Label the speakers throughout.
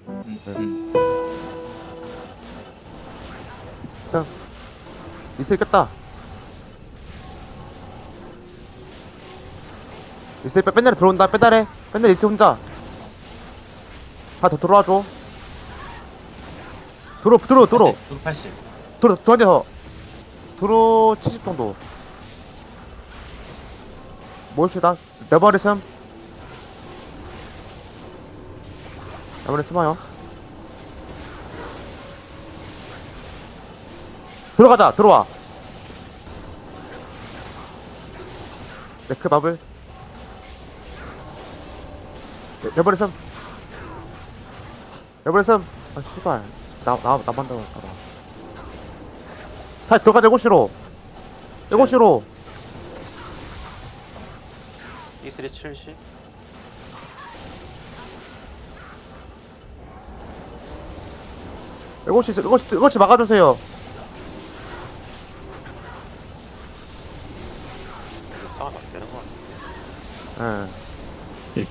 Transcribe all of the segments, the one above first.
Speaker 1: 자, 이슬 깼다. 이슬 뺀날에 들어온다. 뺀날에 이슬 혼자. 다 더 들어와줘. 들어.
Speaker 2: 도로 80.
Speaker 1: 들어 한 대 더. 들어 70 정도. 모읍시다. 내 머리 슴. 내 머리 숨어요. 들어가자. 들어와. 네크 마블. 내 머리 슴. 내 머리 슴. 아 씨발. 나만 들어갈까봐. 다 들어가자. 7시로. 7시로.
Speaker 3: 이슬이 70.
Speaker 1: 이것이 막아주세요.
Speaker 3: 상황이 안 되는 거 같아.
Speaker 1: 예.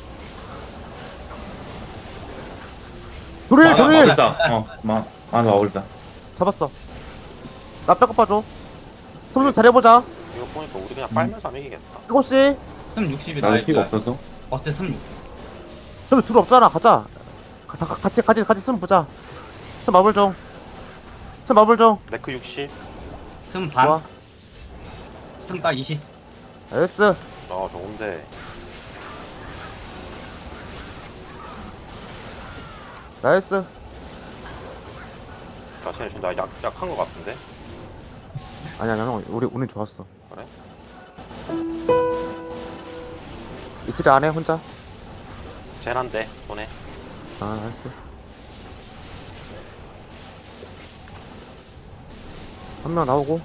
Speaker 1: 도릴.
Speaker 4: 맞아, 올자.
Speaker 1: 잡았어. 나 백업 봐줘. 숨좀 잘해보자.
Speaker 3: 이거 보니까 우리 그냥 빨면서 하면 이기겠다.
Speaker 1: 7시.
Speaker 2: 스물 60이다.
Speaker 4: 나도 피가 없어서.
Speaker 2: 어째 스물 6.
Speaker 1: 여기 둘 없잖아. 가자. 같이 숨 보자. 숨 마블 중. 숨 마블 중.
Speaker 3: 네크 60.
Speaker 2: 스물
Speaker 1: 좋아.
Speaker 2: 반. 스물 딱 20.
Speaker 1: 에스.
Speaker 3: 좋은데.
Speaker 1: 나이스.
Speaker 3: 야, 쟤네 지금 나 약한 거 같은데?
Speaker 1: 아니야, 형. 우리 좋았어.
Speaker 3: 그래?
Speaker 1: 이슬이 안 해, 혼자?
Speaker 3: 쟤난데, 손에.
Speaker 1: 아, 나이스. 한 명 나오고.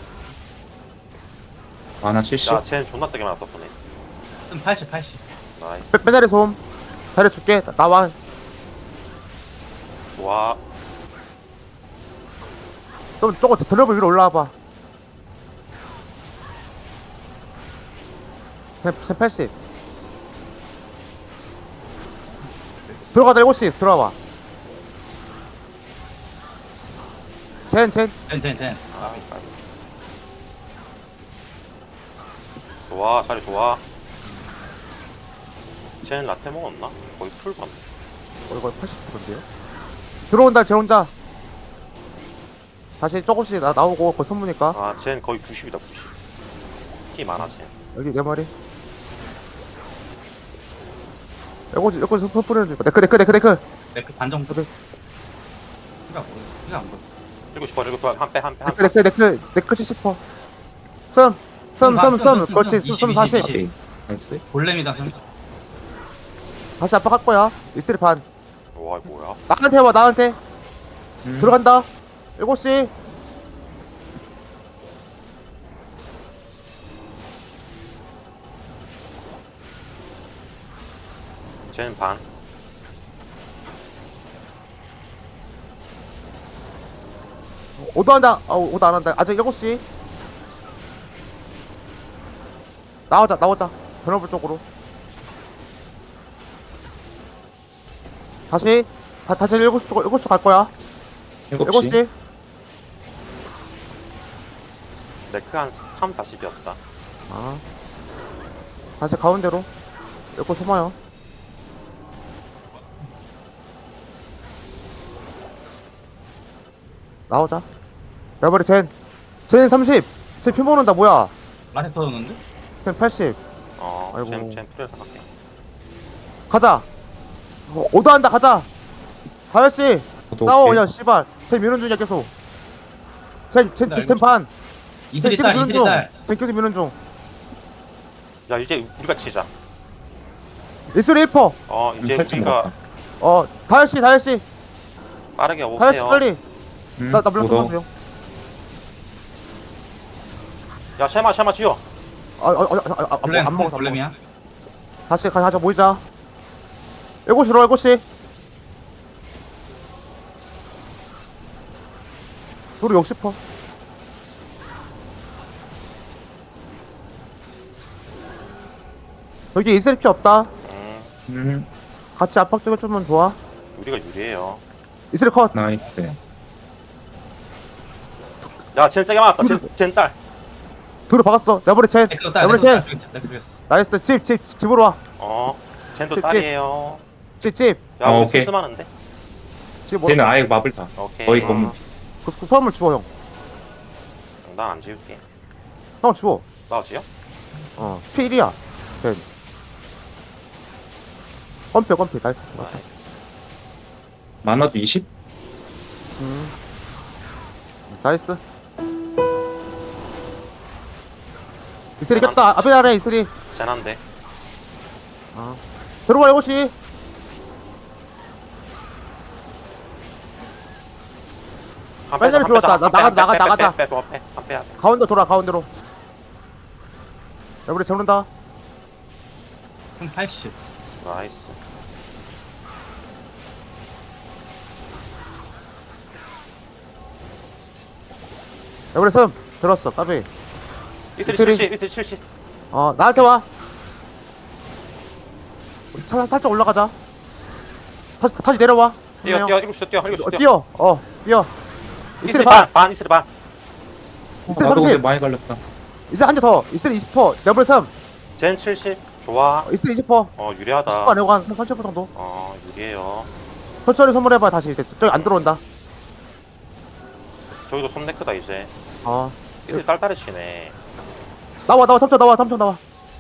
Speaker 4: 하나 70.
Speaker 3: 야, 쟤는 존나 세게 맞았다, 손에.
Speaker 2: 스물 80.
Speaker 3: 나이스.
Speaker 1: 빼다리 솜. 잘해줄게. 나와.
Speaker 3: 좋아.
Speaker 1: 좀 저거 드러블 위로 올라와봐. 샘 80. 들어가자. 7시. 들어와봐. 젠.
Speaker 2: 젠.
Speaker 3: 아, 좋아, 자리 좋아. 쟤는 라떼 먹었나? 거의 풀 봤네.
Speaker 1: 이거 80%인데요? 들어온다. 쟤 혼자. 다시 조금씩 나오고 거기 손무니까.
Speaker 3: 아, 쟤는 거의 90이다, 90. 티 많아, 쟤.
Speaker 1: 여기 내 머리. 이거 손 뿌리는 중. 네크.
Speaker 2: 네크 반 정도.
Speaker 1: 그래.
Speaker 2: 피가 안 보여.
Speaker 3: 7시 한 빼.
Speaker 1: 네크 70%. 썸. 그렇지. 썸 40.
Speaker 4: 오케이. 나이스.
Speaker 2: 볼렘이다 스물.
Speaker 1: 다시 압박할 거야. 이슬이 반.
Speaker 3: 와, 이거 뭐야?
Speaker 1: 나한테 와. 나한테. 들어간다. 7시.
Speaker 3: 쟤는 반.
Speaker 1: 오도 한다. 오도 안 한다. 아직 7시. 나오자. 변호부 쪽으로. 다시 7시 쪽, 7시 갈 거야.
Speaker 4: 7시.
Speaker 1: 7시.
Speaker 3: 네크 한 3, 40이었다.
Speaker 1: 아. 다시 가운데로. 이거 소마요. 나오자. 야버리 젠 30. 쟤 피 모는다. 뭐야.
Speaker 2: 라테 터졌는데?
Speaker 1: 쟤 80. 아이고.
Speaker 3: 쟤는 풀에서 갈게.
Speaker 1: 가자. 오도 한다. 가자. 다현씨
Speaker 4: 오도
Speaker 1: 싸워.
Speaker 4: 오케이.
Speaker 1: 그냥 씨발. 쟤 미는 중이야 계속. 쟤 반.
Speaker 2: 이슬이 딸.
Speaker 1: 쟤 계속 미는 중.
Speaker 3: 야, 이제 우리가 치자.
Speaker 1: 이슬이 1퍼.
Speaker 3: 이제
Speaker 4: 8점
Speaker 3: 우리가
Speaker 1: 다현씨
Speaker 3: 빠르게
Speaker 1: 다현씨
Speaker 3: 오세요.
Speaker 1: 빨리. 나 물론
Speaker 4: 오도.
Speaker 1: 끊어주세요.
Speaker 3: 야, 샤마 지어.
Speaker 1: 안 먹어서.
Speaker 2: 볼렘이야.
Speaker 1: 다시 가자. 모이자. 7시로 7시. 도로 60퍼. 여기 이슬 피 없다.
Speaker 3: 음,
Speaker 4: 음.
Speaker 1: 같이 압박 좀 해주면 좋아.
Speaker 3: 우리가 유리해요.
Speaker 1: 이슬이 컷.
Speaker 4: 나이스.
Speaker 3: 야, 쟤 세게 맞았다. 쟤 딸.
Speaker 1: 도로 박았어. 내버려 젠.
Speaker 2: 내꺼 딸.
Speaker 1: 내버려
Speaker 2: 내꺼
Speaker 1: 젠.
Speaker 2: 딸. 내꺼 죽였어.
Speaker 1: 나이스. 집으로 와.
Speaker 3: 쟤도
Speaker 1: 집,
Speaker 3: 딸이에요.
Speaker 1: 집.
Speaker 3: 야, 우리
Speaker 4: 오케이.
Speaker 3: 쓸쓸하는데?
Speaker 1: 집
Speaker 4: 쟤는 아예 마블사.
Speaker 3: 오케이.
Speaker 4: 거의 검.
Speaker 1: 그 수화물 주워 형.
Speaker 3: 난 안 지울게.
Speaker 1: 형 주워.
Speaker 3: 나오지요?
Speaker 1: P1이야. 젠. 건표 나이스.
Speaker 4: 만화도 20?
Speaker 1: 나이스. 이슬이 꼈다. 앞에 나래 이슬이.
Speaker 3: 쟤난데.
Speaker 1: 들어와 이것이. 빨리 들어왔다. 나가자.
Speaker 3: 빼야 돼.
Speaker 1: 가운데 돌아 가운데로. 내버려 잡는다.
Speaker 2: 한 80.
Speaker 3: 나이스.
Speaker 1: 내버려 섬. 들었어. 까비.
Speaker 3: 이틀이
Speaker 1: 이틀이.
Speaker 3: 70, 이틀이 70.
Speaker 1: 나한테 와. 우리 살짝 올라가자. 다시 내려와.
Speaker 3: 뛰어, 이거 뛰어.
Speaker 1: 뛰어. 뛰어.
Speaker 3: 이틀이
Speaker 1: 이슬이 반.
Speaker 3: 반, 이틀이 반.
Speaker 1: 이슬이
Speaker 4: 나도 근데
Speaker 1: 30.
Speaker 4: 많이 갈렸다.
Speaker 1: 이슬이 한개 더. 이슬이 20%. 내버려 섬.
Speaker 3: 젠 70. 좋아.
Speaker 1: 이슬이 20%.
Speaker 3: 유리하다.
Speaker 1: 10% 안에고 한 30% 정도.
Speaker 3: 유리해요.
Speaker 1: 천천히 선물해봐. 다시 이제 저기 안 들어온다.
Speaker 3: 저기도 손네크다, 이제.
Speaker 1: 어.
Speaker 3: 이틀이 딸딸이 치네.
Speaker 1: 나와. 삼촌 나와.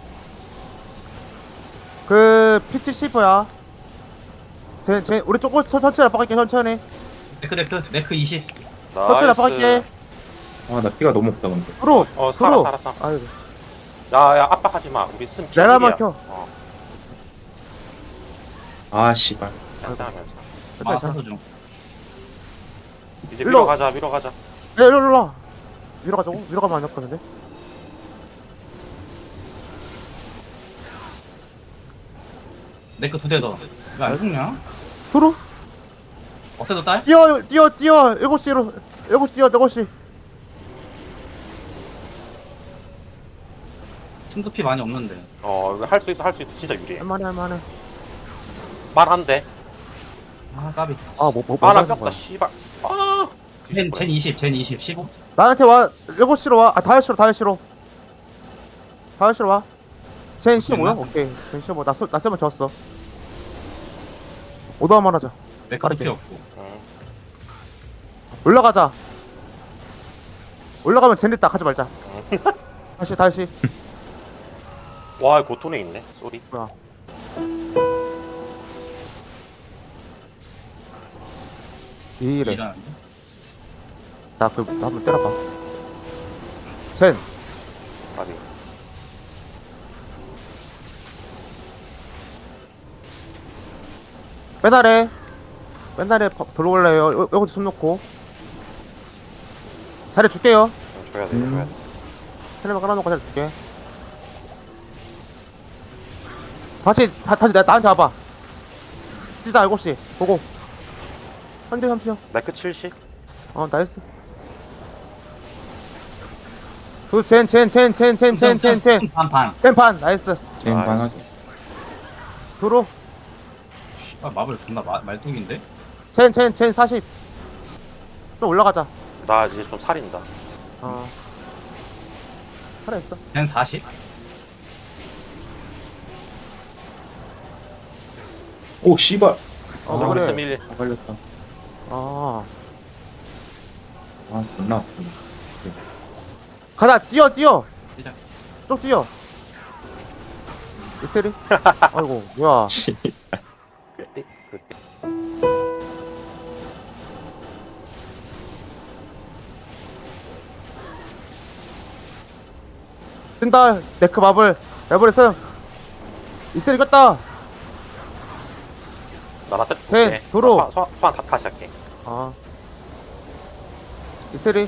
Speaker 1: 그 P70야. 우리 조금 천천히 압박할게. 천천히
Speaker 2: 네크 20.
Speaker 1: 천천히 압박할게.
Speaker 4: 아, 나 피가 너무 없다, 근데.
Speaker 1: 들어.
Speaker 3: 살았어.
Speaker 1: 아이고.
Speaker 3: 야, 압박하지 마. 우리 쓴
Speaker 1: 내가
Speaker 3: 피일이야.
Speaker 1: 막혀.
Speaker 4: 아, 씨발.
Speaker 3: 괜찮아.
Speaker 2: 사도 중.
Speaker 3: 이제
Speaker 1: 일로.
Speaker 3: 위로 가자.
Speaker 1: 야, 일로 와. 위로 가자고? 위로 가면 안 잡거든데?
Speaker 2: 네크 2대 더. 이거 안 죽냐?
Speaker 1: 들어.
Speaker 2: 어세도 딸?
Speaker 1: 뛰어. 7시로. 7시 뛰어. 7시.
Speaker 2: 침도피 많이 없는데.
Speaker 3: 할 수 있어. 진짜 유리해.
Speaker 1: 할만해.
Speaker 3: 말한대.
Speaker 2: 아 까비.
Speaker 3: 나
Speaker 1: 하는
Speaker 3: 꼈다,
Speaker 1: 거야.
Speaker 3: 씨발.
Speaker 2: 젠 20. 젠 20. 15.
Speaker 1: 나한테 와. 7시로 와. 5시로. 와. 젠 15야? 오케이. 젠 15. 나 쌤은 졌어. 오더 한번 하자.
Speaker 2: 네크 피 없고.
Speaker 1: 올라가자. 올라가면 젠 됐다. 가지 말자. 다시.
Speaker 3: 와, 고톤에 있네. 쏘리.
Speaker 1: 뭐야. 이래.
Speaker 2: 일하는데.
Speaker 1: 나 한번 때려봐. 젠.
Speaker 3: 아니.
Speaker 1: 맨날에 들어올래요. 여기 손 놓고. 잘해줄게요.
Speaker 3: 줘야 돼.
Speaker 1: 텔레만 깔아놓고 잘해줄게. 다시 나한테 와봐. 뛰자 7시. 보고. 한대 3시요.
Speaker 3: 네크 70.
Speaker 1: 나이스. 젠.
Speaker 2: 반.
Speaker 1: 젠판. 나이스.
Speaker 4: 쟤는
Speaker 3: 나이스.
Speaker 4: 만화도.
Speaker 1: 도로.
Speaker 2: 씨발 마블 존나 말뚝인데?
Speaker 1: 젠 40. 좀 올라가자.
Speaker 3: 나 이제 좀 살인다.
Speaker 1: 살아있어.
Speaker 2: 젠 40.
Speaker 4: 오, 씨발.
Speaker 3: 우리
Speaker 1: 그래.
Speaker 3: 밀.
Speaker 4: 다 갈렸다.
Speaker 1: 아.
Speaker 4: 아, 존나 아프네.
Speaker 1: 가자. 뛰어.
Speaker 2: 시작.
Speaker 1: 쭉 뛰어. 이세리. 아이고 뭐야.
Speaker 4: 씨.
Speaker 3: 그때.
Speaker 1: 뜬다. 네크 마블. 내버렸어. 이세리 겼다.
Speaker 3: 나한테
Speaker 1: 네, 도로.
Speaker 3: 소환 다시 할게.
Speaker 1: 이세리.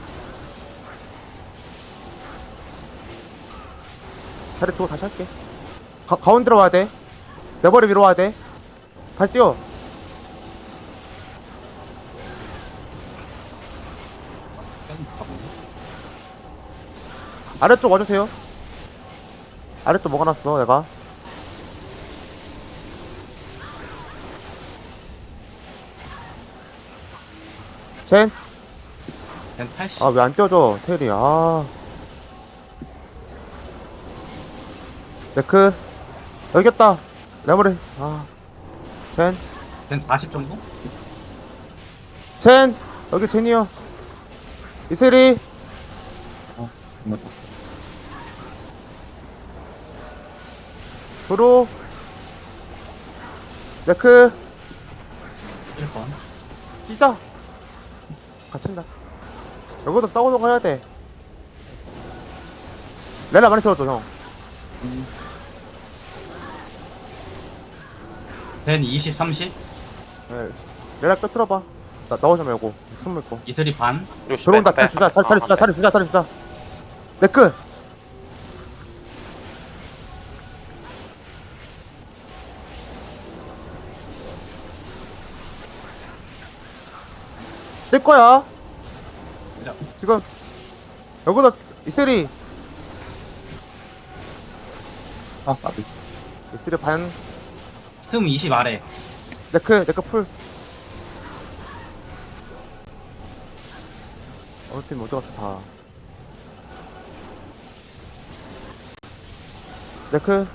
Speaker 1: 자리 주고 다시 할게. 가운데로 와야 돼. 내 머리 위로 와야 돼. 다시 뛰어. 아래쪽 와주세요. 아래쪽 뭐가 났어 내가. 젠.
Speaker 2: 된 80.
Speaker 1: 아, 왜 안 띄워줘, 테일이. 아. 네크. 여기 있다. 레버리. 아. 젠.
Speaker 2: 된 40 정도?
Speaker 1: 젠. 여기 젠이요. 이슬이.
Speaker 4: 존나
Speaker 1: 브루. 네크.
Speaker 2: 1번.
Speaker 1: 뛰자. 갇힌다. 여기도 싸우고 가야 돼. 레나 많이 들어줘, 형.
Speaker 2: 된 20, 30.
Speaker 1: 네. 레나 끄트려봐. 나오지 말고. 숨 먹고.
Speaker 2: 이슬이 반.
Speaker 3: 이거
Speaker 1: 들어온다.
Speaker 3: 빼,
Speaker 1: 자리 주자.
Speaker 3: 빼.
Speaker 1: 자리 주자. 자리 주자. 자리 주자. 네크. 뜰 거야.
Speaker 2: 자,
Speaker 1: 지금 여기다 이슬이
Speaker 4: 아 까비.
Speaker 1: 이슬이 반
Speaker 2: 스음 20 아래.
Speaker 1: 네크 풀. 어느 팀 어디 갔어 다. 네크.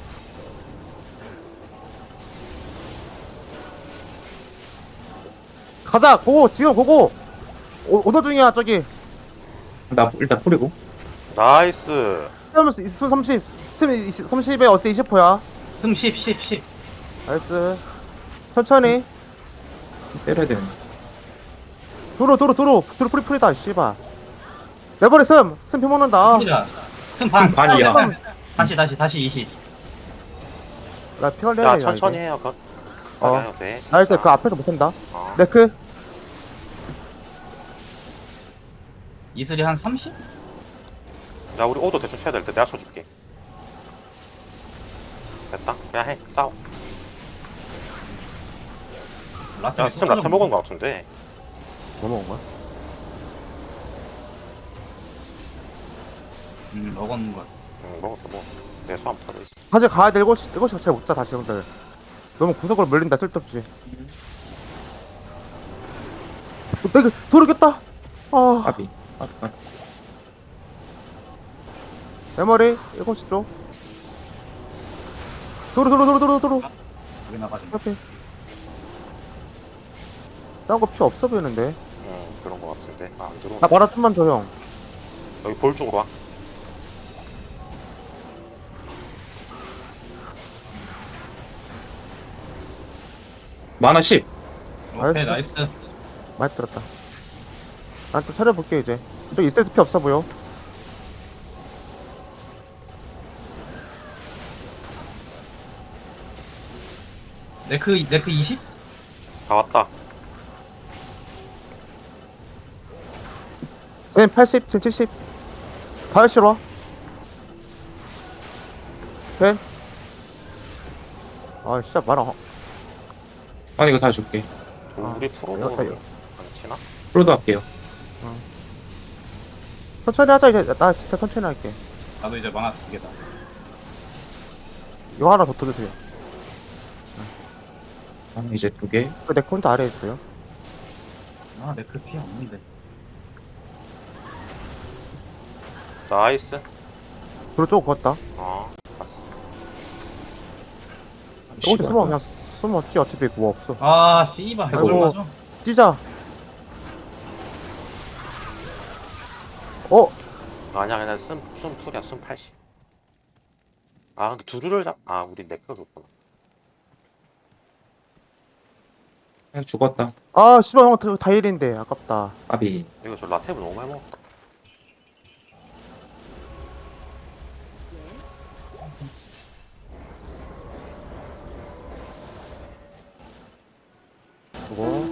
Speaker 1: 가자. 고고. 지금 고고. 오더 중이야 저기.
Speaker 4: 나 일단 뿌리고.
Speaker 3: 나이스.
Speaker 1: 수 30. 수 30에 어스 20호야.
Speaker 2: 스음 10, 10, 10.
Speaker 1: 나이스. 천천히.
Speaker 4: 때려야 되는데.
Speaker 1: 도로 프리다 씨발. 내버려 스음 피 먹는다.
Speaker 2: 풀이다. 스음 반.
Speaker 4: 스음 반이야.
Speaker 2: 다시 20.
Speaker 1: 나 피 걸려야
Speaker 3: 야
Speaker 1: 돼.
Speaker 3: 천천히 해요. 그.
Speaker 1: 어.
Speaker 3: 네.
Speaker 1: 나 일단 그 앞에서 못한다.
Speaker 3: 어.
Speaker 1: 네크.
Speaker 2: 이슬이 한 30?
Speaker 3: 야 우리 오도 대충 쳐야 될 때 내가 쳐줄게. 됐다. 그냥 해. 싸워.
Speaker 2: 라떼
Speaker 3: 야 스팀 라테 먹은 거 같은데.
Speaker 1: 뭐 먹은 거야?
Speaker 2: 먹었는 거.
Speaker 3: 응 먹었어 뭐. 내 소함 타고 있어.
Speaker 1: 사실 가야 돼. 7시 잘 못자 다시 형들. 너무 구석으로 몰린다 쓸데없지. 내가 도르겠다. 아,
Speaker 4: 까비. 까비. 까비.
Speaker 1: 내 머리 7시 쪽. 도로.
Speaker 2: 여기 나가지.
Speaker 1: 옆에. 딴거 필요 없어 보이는데.
Speaker 3: 응 그런 거 같은데. 아, 안 들어오네.
Speaker 1: 나 마라 좀만 줘 형.
Speaker 3: 여기 볼 쪽으로 와.
Speaker 4: 만화 10.
Speaker 2: 오케이,
Speaker 1: 알았어.
Speaker 2: 나이스.
Speaker 1: 많이 들었다. 난 좀 차려볼게 이제. 저기 있을 때 필요 없어 보여.
Speaker 2: 네크 20?
Speaker 3: 다 왔다.
Speaker 1: 쟤는 80, 쟤는 70. 80 와. 쟤. 아 진짜 마라.
Speaker 4: 아니 이거 다 줄게.
Speaker 3: 우리 프로도
Speaker 1: 여기다,
Speaker 3: 안
Speaker 1: 여기.
Speaker 3: 치나?
Speaker 4: 프로도 할게요.
Speaker 1: 천천히 하자 이제. 나 진짜 천천히 할게.
Speaker 2: 나도 이제 만화 2개다.
Speaker 1: 이거 하나 더 들으세요.
Speaker 4: 아, 이제 2개.
Speaker 1: 내 콘도 아래에 있어요.
Speaker 2: 아, 네크 피 없는데.
Speaker 3: 나이스.
Speaker 1: 도로 쪽 걷다.
Speaker 3: 어 봤어.
Speaker 1: 어디 숨어 그냥 숨어 뛰 어차피 뭐 없어.
Speaker 2: 아, 씨발. 이거
Speaker 1: 아이고.
Speaker 2: 맞아?
Speaker 1: 뛰자. 어?
Speaker 3: 아니야 그냥 숨 풀이야 숨 80. 아 근데 두루를 아 우리 내꺼 줬구나.
Speaker 4: 그냥 죽었다.
Speaker 1: 아 씨발 형 다일인데 아깝다.
Speaker 4: 까비.
Speaker 3: 이거 저 라테브 너무 많이 먹었다.
Speaker 1: 그거.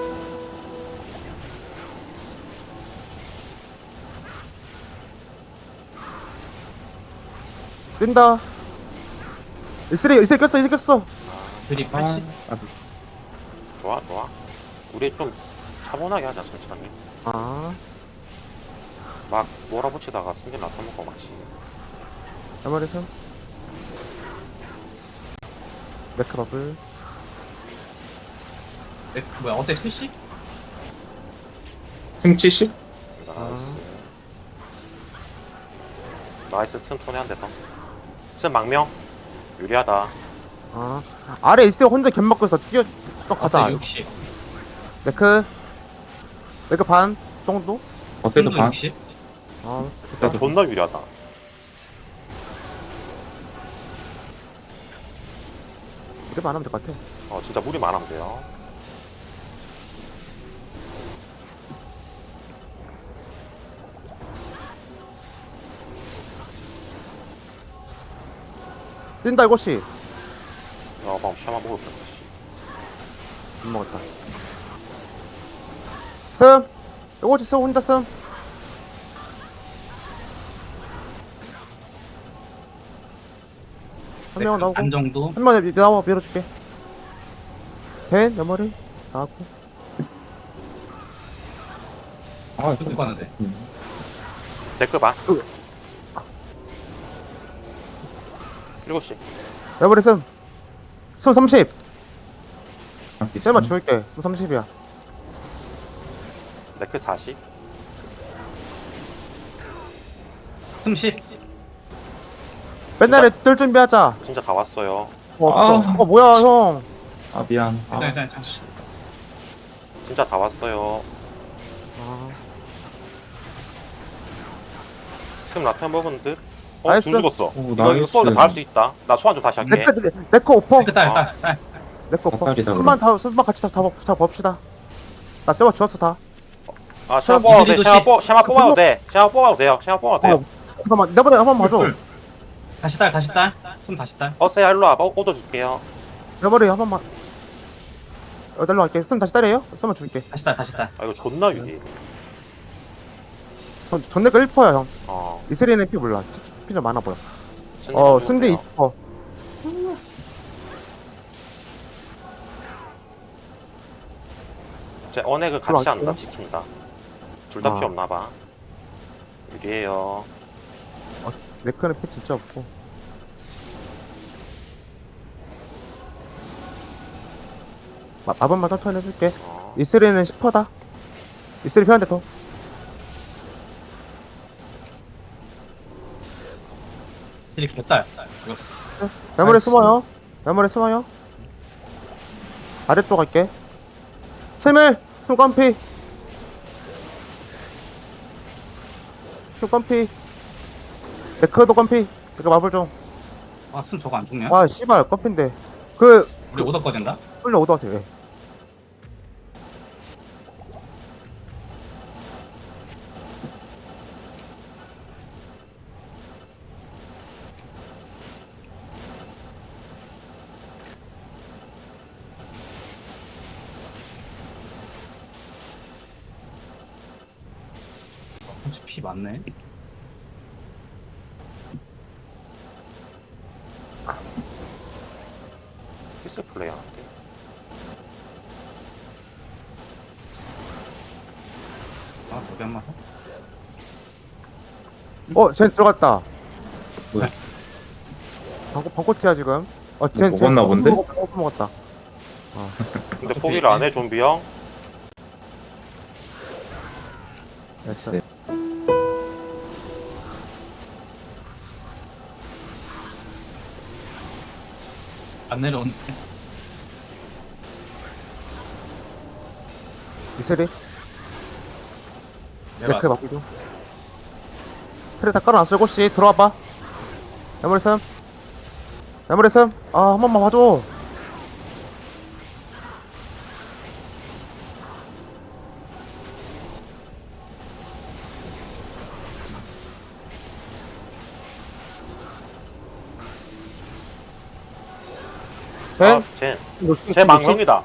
Speaker 1: 뛴다. 이슬이 꼈어.
Speaker 2: 드립
Speaker 4: 아,
Speaker 2: 80?
Speaker 4: 까비.
Speaker 3: 좋아. 우리 좀 차분하게 하자 천천히.
Speaker 1: 아,
Speaker 3: 막 몰아붙이다가 승진 라테 먹고 마치.
Speaker 1: 내 말에서. 네크버블.
Speaker 2: 네크 뭐야, 어제 70?
Speaker 4: 승 70?
Speaker 3: 나이스. 스턴 톤에 한 대 더. 스턴 망명. 유리하다.
Speaker 1: 아 아래 있을 때 혼자 갯 먹고 있어. 뛰어 또 가자.
Speaker 2: 어스 60.
Speaker 1: 네크 반 정도?
Speaker 4: 어세도
Speaker 2: 승도
Speaker 4: 반.
Speaker 2: 60.
Speaker 1: 아
Speaker 4: 나도
Speaker 3: 존나 유리하다.
Speaker 1: 이래만 안 하면 될 것 같아.
Speaker 3: 진짜 무리만 안 하면 돼요.
Speaker 1: 뛴다 이것이.
Speaker 3: 방금 샤마 먹을 뻔.
Speaker 1: 못 먹었다. 슴 이것이 슴 혼자 슴. 한 명은 나오고
Speaker 2: 반 정도.
Speaker 1: 한 명은 나와 밀어줄게. 된 옆머리 나왔고.
Speaker 4: 아,
Speaker 2: 뚝뚝 가는데.
Speaker 3: 댓글 봐. 7시.
Speaker 1: 옆머리 슴 30.
Speaker 4: 아,
Speaker 1: 쌤만 줄게. 30이야.
Speaker 3: 댓글 40.
Speaker 2: 30.
Speaker 1: 맨날에 뜰 준비하자.
Speaker 3: 진짜 다 왔어요.
Speaker 1: 없어. 뭐야 형.
Speaker 4: 아, 미안. 아,
Speaker 2: 일단.
Speaker 3: 진짜 다 왔어요.
Speaker 1: 아,
Speaker 3: 지금 라테 먹은 듯?
Speaker 1: 나이스.
Speaker 3: 중 죽었어.
Speaker 4: 오,
Speaker 3: 이거
Speaker 4: 나이스.
Speaker 3: 소원을 다할 수 있다. 나 소환 좀 다시 할게.
Speaker 1: 네크 오퍼.
Speaker 2: 딸.
Speaker 1: 네크 오퍼.
Speaker 4: 닭다리다,
Speaker 1: 술만 같이 다 봅시다. 나 세워 주웠어 다.
Speaker 3: 샤마 뽑아도 돼.
Speaker 2: 이슬이
Speaker 3: 샤마 뽑아도 돼. 샤마 뽑아도 돼요. 샤마 뽑아도 돼요.
Speaker 1: 잠깐만 내버려 한번 봐줘.
Speaker 2: 다시 딸. 숨 다시 딸.
Speaker 3: 어세야 일로 와봐. 얻어 줄게요.
Speaker 1: 내버려 한 번만. 날로 갈게. 쓰면 다시 따래요? 쓰면 줄게.
Speaker 2: 다시 딸.
Speaker 3: 아 이거 존나 유리.
Speaker 1: 전내가 1퍼야 형.
Speaker 3: 어.
Speaker 1: 이슬이는 피 몰라. 피 좀 많아 보여.
Speaker 3: 승리
Speaker 1: 승대
Speaker 3: 좀
Speaker 1: 20퍼.
Speaker 3: 제 언액을 같이
Speaker 1: 들어갈게요.
Speaker 3: 한다. 지킨다. 둘 다
Speaker 1: 아.
Speaker 3: 피 없나봐. 유리해요.
Speaker 1: 네크는 피 진짜 없고. 마법만 천천히 해줄게. 이슬이는 10퍼다. 이슬이 필요한데 더.
Speaker 2: 이렇게 개딸. 죽었어.
Speaker 1: 메모리
Speaker 2: 나이스.
Speaker 1: 숨어요. 메모리 숨어요. 아래쪽 갈게. 스밀! 숨건피! 숨건피. 네크도 건피. 네크 마블 좀.
Speaker 2: 숨 저거 안 죽냐?
Speaker 1: 와, 씨발, 건피인데. 그,
Speaker 2: 우리 오더 꺼진다.
Speaker 1: 끌려 오더하세요, 예.
Speaker 2: 피 많네.
Speaker 3: 피스 플레이 하는데.
Speaker 2: 거기 한 번.
Speaker 1: 쟤 들어갔다.
Speaker 4: 뭐야?
Speaker 1: 방코티야, 지금. 쟤
Speaker 4: 먹었나 본데?
Speaker 1: 먹었다.
Speaker 3: 근데 포기를 안 해, 좀비 형.
Speaker 1: 됐어.
Speaker 4: 네.
Speaker 2: 안 내려오네.
Speaker 1: 이슬이?
Speaker 2: 내가
Speaker 1: 네크 마블 좀. 트레 다 깔아놨어, 이곳이. 들어와봐. 메모리 슴. 메모리 슴. 한 번만 봐줘.
Speaker 3: 제 망명이다.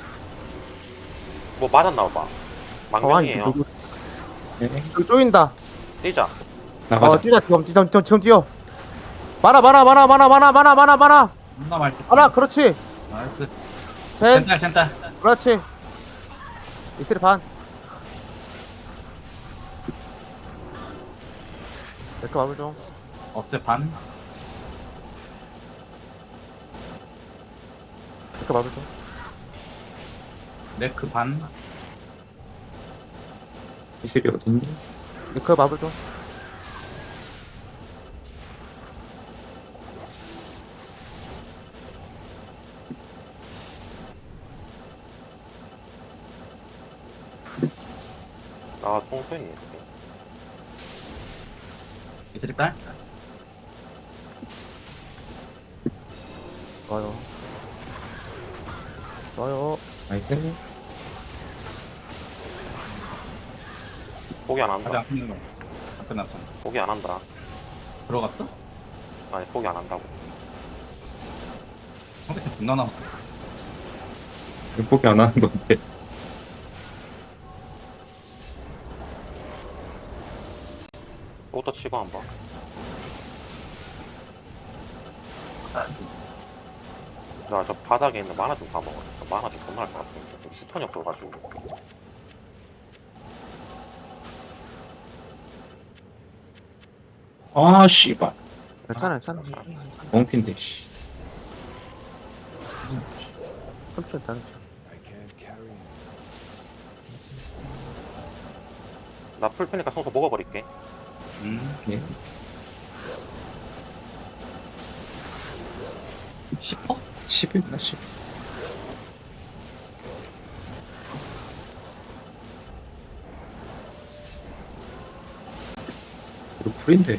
Speaker 3: 뭐 맞았나 봐. 망명이에요.
Speaker 4: 네.
Speaker 1: 여기 쪼인다.
Speaker 3: 뛰자.
Speaker 4: 나가자.
Speaker 1: 뛰자, 지금 뛰어. 많아.
Speaker 2: 존나 말티.
Speaker 1: 그렇지.
Speaker 2: 나이스.
Speaker 1: 젠,
Speaker 2: 젠딸.
Speaker 1: 그렇지. 이슬이 반. 네크 마블 좀.
Speaker 2: 어스 반.
Speaker 1: 네크 마블 좀.
Speaker 2: 네크 반.
Speaker 4: 이슬이 어딨니?
Speaker 1: 리크 마블 좀.
Speaker 3: 아 총소했네.
Speaker 2: 이슬이 딸?
Speaker 1: 좋아요. 좋아요.
Speaker 4: 나이스.
Speaker 3: 포기 안
Speaker 2: 아직
Speaker 3: 한다.
Speaker 2: 안 끝난 거. 안 끝났잖아.
Speaker 3: 포기 안 한다.
Speaker 2: 들어갔어?
Speaker 3: 아니 포기 안 한다고.
Speaker 2: 상대팀 존나 나.
Speaker 4: 포기 안 하는 건데.
Speaker 3: 또부터 치고 한번. 나 저 바닥에 있는 만화 좀 다 먹어. 만화 좀 겁나 할것 같은데. 여기 스턴이 없어가지고.
Speaker 4: 아, 씨발.
Speaker 1: 괜찮아, 괜찮아.
Speaker 4: 엉핀데, 씨.
Speaker 1: 천천히, 천천히.
Speaker 3: 나 풀패니까 성소 먹어버릴게.
Speaker 4: 예.
Speaker 2: 10퍼?
Speaker 4: 10이나 10. 그리고 풀인데.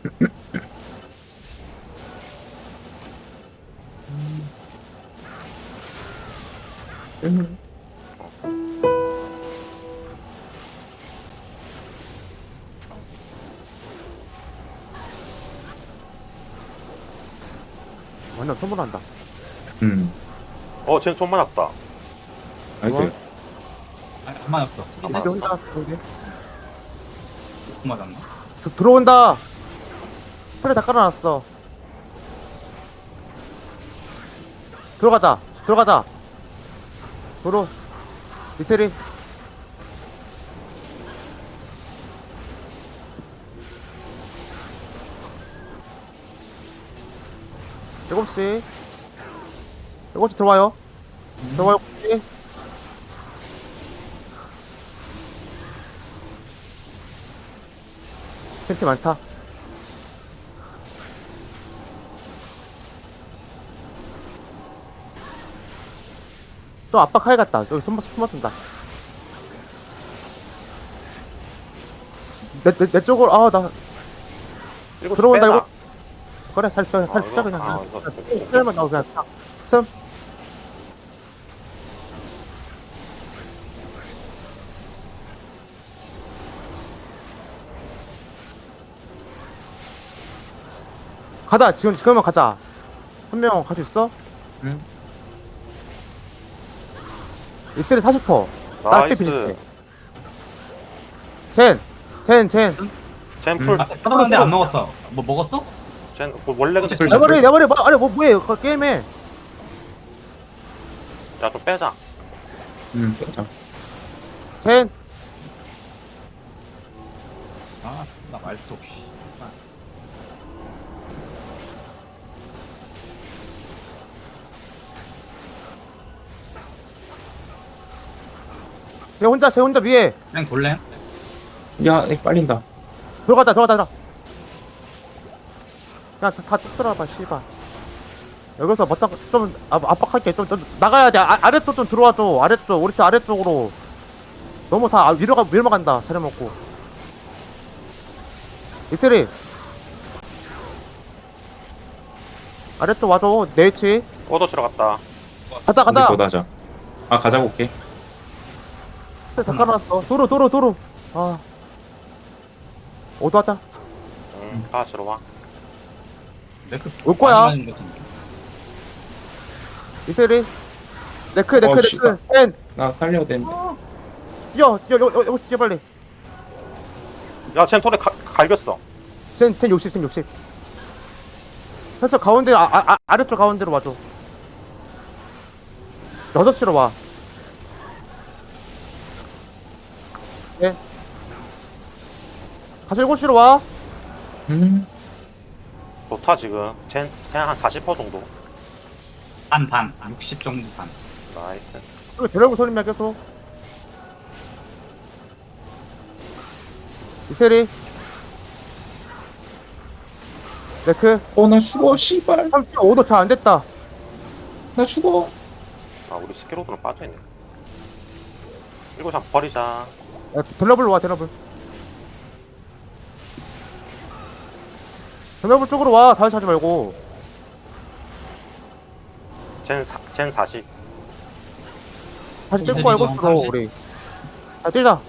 Speaker 1: 완전 소문난다.
Speaker 3: 쟨 손 맞았다.
Speaker 4: 나이스.
Speaker 2: 아니, 안 맞았어.
Speaker 3: 안
Speaker 1: 이슬이
Speaker 3: 맞았어.
Speaker 1: 혼자, 여기.
Speaker 2: 못 맞았나?
Speaker 1: 들어온다! 풀에 다 깔아놨어. 들어가자, 들어가자. 도로. 이슬이. 일곱 시 들어와요. 들어와요. 7시. 텐트 많다. 또 압박하야겠다. 여기 숨어준다. 내 쪽으로, 나,
Speaker 3: 일곱 시
Speaker 1: 들어온다,
Speaker 3: 빼자.
Speaker 1: 이거. 그래, 살 펴, 살 펴, 그냥.
Speaker 3: 이거
Speaker 1: 살만 나오고, 그냥. 숨. 가자, 지금만 가자. 한 명 갈 수 있어?
Speaker 4: 응.
Speaker 1: 이슬이 40%. 나
Speaker 3: 나이스.
Speaker 1: 비슷해. 젠.
Speaker 3: 쟨 풀.
Speaker 2: 아, 하던데 안 먹었어. 뭐 먹었어?
Speaker 3: 쟨 원래 근데
Speaker 2: 풀.
Speaker 1: 내 머리, 아니, 뭐해. 그거 게임해.
Speaker 3: 야좀 빼자.
Speaker 4: 맞아.
Speaker 1: 젠.
Speaker 2: 아, 나 말도 씨.
Speaker 1: 쟤 혼자 위에.
Speaker 2: 그냥 돌래?
Speaker 4: 야, 이거 빨린다.
Speaker 1: 들어가자. 야, 다쭉 들어와봐, 씨발. 여기서 멋쩍 좀 압박할게. 좀 나가야 돼. 아래쪽 좀 들어와줘. 아래쪽, 우리 팀 아래쪽으로. 너무 다 위로만 간다. 차려 먹고. 이슬이. 아래쪽 와줘. 내 위치.
Speaker 3: 오더 치러 갔다.
Speaker 1: 가자.
Speaker 4: 우리 하자. 아, 가자고 올게.
Speaker 1: 다 깔아놨어. 도로. 아. 오도하자.
Speaker 3: 다 치러 와.
Speaker 2: 레크
Speaker 1: 올 거야.
Speaker 2: 많이 맞은 것 같은데.
Speaker 1: 이슬이. 네크.
Speaker 4: 씨발.
Speaker 1: 엔.
Speaker 4: 나 살려야 되는데.
Speaker 1: 뛰어, 빨리.
Speaker 3: 야쟨 톨에 갈겼어.
Speaker 1: 젠 60. 해서 가운데, 아래쪽 가운데로 와줘. 6시로 와. 예. 다시 7시로 와.
Speaker 3: 좋다 지금. 쟨 한 40% 정도.
Speaker 2: 반. 60 정도 반.
Speaker 3: 나이스.
Speaker 1: 여기 데려고 소리만 계속. 이세리. 네크.
Speaker 4: 나 죽어, 씨발.
Speaker 1: 35도 잘 안 됐다.
Speaker 4: 나 죽어.
Speaker 3: 아 우리 스케로드는 빠져있네. 이거 참 버리자.
Speaker 1: 야, 델러블로 와, 델러블. 델러블 쪽으로 와, 다시 하지 말고.
Speaker 3: 젠 40.
Speaker 1: 다시
Speaker 2: 이제
Speaker 1: 떼고 알고
Speaker 2: 지금
Speaker 1: 있어,
Speaker 2: 30.
Speaker 1: 우리. 자, 뛰자.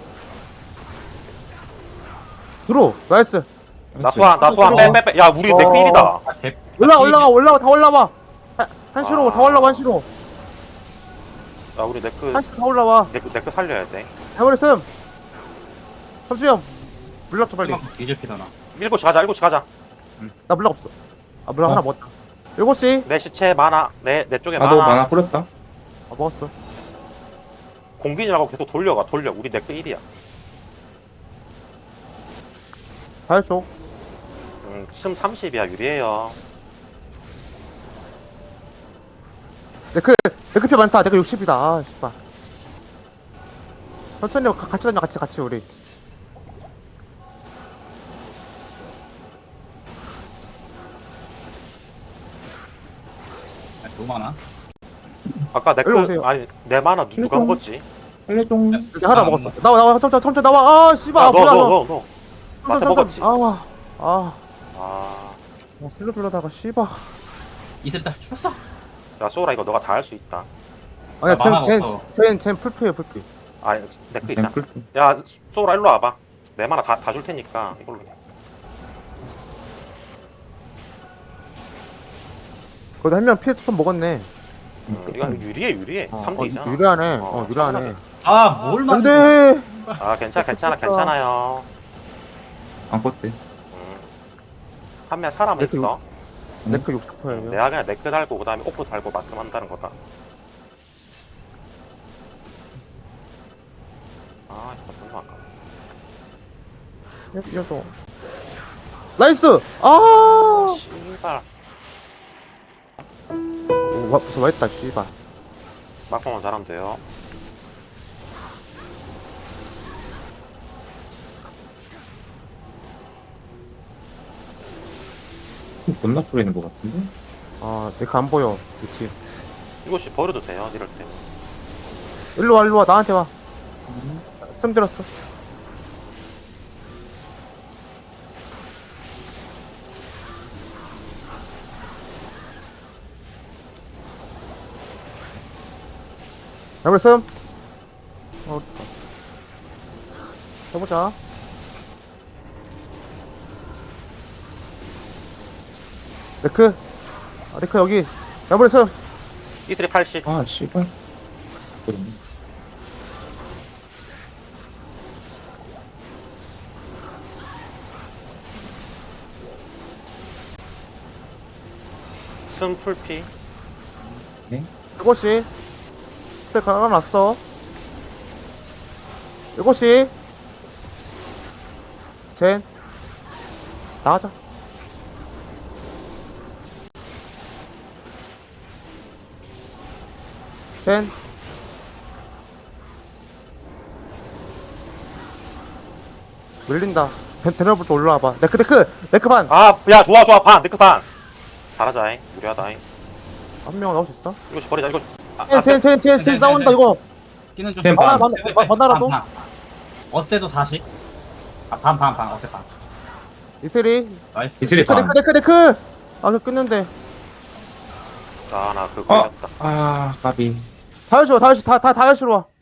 Speaker 1: 들어, 나이스.
Speaker 3: 나 소환 빼. 야 우리 넥
Speaker 1: 어.
Speaker 3: 1이다.
Speaker 2: 아, 개-
Speaker 1: 올라가, 다 올라와. 한시로, 다 올라와, 한시로.
Speaker 3: 야 우리 네크
Speaker 1: 한시로 다 올라와.
Speaker 3: 네크 살려야 돼.
Speaker 1: 해버렸음. 삼수형, 물약 좀 빨리.
Speaker 2: 이제 피다나.
Speaker 3: 7시 가자. 7시 가자.
Speaker 1: 나 물약 없어. 아, 물약
Speaker 4: 어.
Speaker 1: 하나 먹었다. 7시.
Speaker 3: 내 시체 많아. 내 쪽에
Speaker 4: 나도
Speaker 3: 많아.
Speaker 4: 만화 뿌렸다.
Speaker 1: 아, 먹었어.
Speaker 3: 공빈이라고 계속 돌려. 우리 네크 1이야.
Speaker 1: 다해줘.
Speaker 3: 심 30이야. 유리해요.
Speaker 1: 네크피 많다. 네크 60이다. 아, 씨발. 천천히 같이 다녀, 같이, 우리.
Speaker 2: 아, 너무 많아.
Speaker 3: 아까
Speaker 1: 일로
Speaker 3: 네크
Speaker 1: 오세요.
Speaker 3: 아니 내 만화 누가
Speaker 4: 일로.
Speaker 3: 먹었지?
Speaker 4: 살려줘.
Speaker 1: 여기 하나 먹었어. 나와, 천천히 나와. 아, 씨발. 아, 뭐야, 너.
Speaker 3: 너. 나한테 먹었지. 아.
Speaker 1: 살려주려다가, 씨발.
Speaker 2: 이슬 죽었어.
Speaker 3: 야 소라 이거 너가 다 할 수 있다.
Speaker 1: 아니야,
Speaker 2: 나 만화가 없어.
Speaker 1: 쟨 풀피야, 풀피.
Speaker 3: 아니 네크 있잖아.
Speaker 4: 앰플.
Speaker 3: 야 소라 일로 와봐. 내 만화 다 줄 테니까 이걸로 해.
Speaker 1: 거기다 한 명 피해 좀 먹었네.
Speaker 3: 이거 유리해. 3대2잖아.
Speaker 1: 유리하네.
Speaker 3: 어,
Speaker 1: 유리하네.
Speaker 2: 아, 뭘
Speaker 1: 안
Speaker 2: 만든
Speaker 1: 돼!
Speaker 3: 아 괜찮아요.
Speaker 4: 안 껐대.
Speaker 3: 한 명 사람
Speaker 1: 네크
Speaker 3: 있어.
Speaker 1: 네크 60%예요.
Speaker 3: 내가 그냥 네크 달고 그다음에 옥도 달고 말씀한다는 거다. 아 이거 너무 아까워.
Speaker 1: 이어서. 나이스! 아!
Speaker 3: 씨발.
Speaker 1: 벌써 맛있다, 씨발.
Speaker 3: 막판만 잘하면 돼요.
Speaker 4: 존나 뿌리는 것 같은데?
Speaker 1: 아, 네크 안 보여. 그치.
Speaker 3: 이것이 버려도 돼요 이럴 때.
Speaker 1: 일로 와. 나한테 와. 씀 들었어. 해볼 해보자. 네크. 아, 네크 여기. 해볼
Speaker 3: 이슬이 80.
Speaker 4: 아, 씨발. 그러네.
Speaker 3: 순 풀피.
Speaker 1: 이것이. 그때 갈아놨어. 이것이. 젠. 나가자. 젠. 밀린다. 데너블도 올라와봐. 네크 반.
Speaker 3: 아야 좋아 반 네크 반. 잘하자잉. 유리하다잉.
Speaker 1: 한 명 나올 수 있어?
Speaker 3: 이것이 버리자 이거.
Speaker 1: 젠 싸운다 이거.
Speaker 2: 끼는 좀.
Speaker 4: 쌤,
Speaker 1: 반.
Speaker 2: 반.
Speaker 1: 반나라도?
Speaker 2: 어세도 40. 아, 반. 어세 반.
Speaker 1: 이슬이.
Speaker 2: 나이스.
Speaker 4: 이슬이 반.
Speaker 1: 네크. 아, 그 끊는데.
Speaker 3: 아나 그거 걸렸다.
Speaker 4: 아, 까비.
Speaker 1: 다현씨로 와.